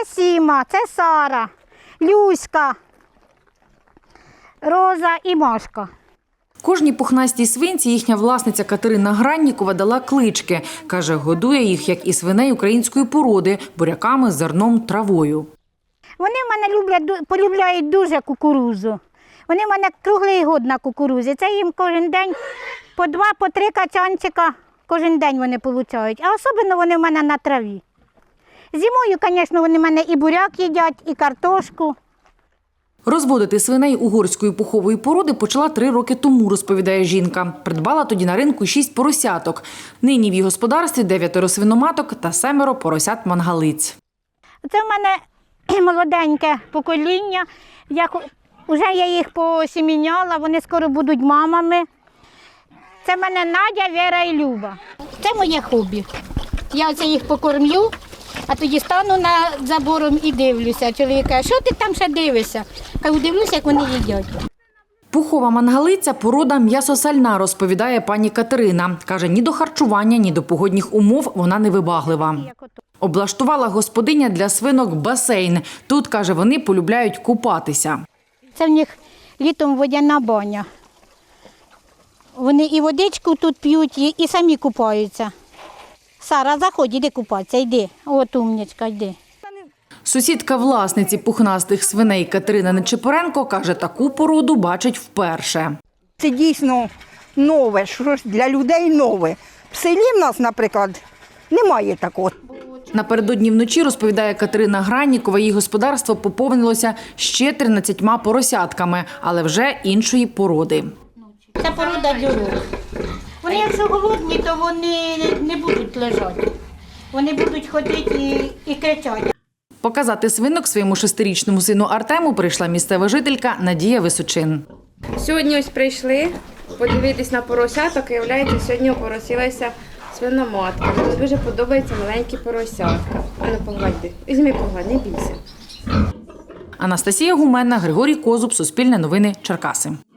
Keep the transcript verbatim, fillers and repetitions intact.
Сіма, це Сара, Люська, Роза і Машка. Кожній пухнастій свинці їхня власниця Катерина Граннікова дала клички. Каже, годує їх, як і свиней української породи, буряками, зерном, травою. Вони в мене люблять, полюбляють дуже кукурудзу. Вони в мене круглий год на кукурудзі. Це їм кожен день по два, по три качанчика кожен день вони отримують. А особливо вони в мене на траві. Зимою, звісно, вони в мене і буряк їдять, і картошку. Розводити свиней угорської пухової породи почала три роки тому, розповідає жінка. Придбала тоді на ринку шість поросяток. Нині в її господарстві дев'ятеро свиноматок та семеро поросят-мангалиць. Це в мене молоденьке покоління. Я, вже я їх посіміняла, вони скоро будуть мамами. Це в мене Надя, Віра і Люба. Це моє хобі. Я оце їх покормлю, а тоді стану над забором і дивлюся. Чоловік каже, що ти там ще дивишся? Кажу, дивлюся, як вони їдять. Пухова мангалиця – порода м'ясосальна, розповідає пані Катерина. Каже, ні до харчування, ні до погодних умов вона не вибаглива. Облаштувала господиня для свинок басейн. Тут, каже, вони полюбляють купатися. Це в них літом водяна баня. Вони і водичку тут п'ють, і, і самі купаються. Сара, заходь, іди купатися, йди. От умничка, йди. Сусідка власниці пухнастих свиней Катерина Нечипоренко каже, таку породу бачить вперше. Це дійсно нове, щось для людей нове. В селі в нас, наприклад, немає такого. Напередодні вночі, розповідає Катерина Граннікова, її господарство поповнилося ще тринадцятьма поросятками, але вже іншої породи. Це порода дюрок. Вони, якщо голодні, то вони не будуть лежати. Вони будуть ходити і, і кричати. Показати свинок своєму шестирічному сину Артему прийшла місцева жителька Надія Височин. Сьогодні ось прийшли подивитись на поросяток, і, виявляється, сьогодні опоросилася свиноматка. Мені дуже подобаються маленькі поросятка. А ну погладь, візьми погладь, не бійся. Анастасія Гуменна, Григорій Козуб, Суспільне новини, Черкаси.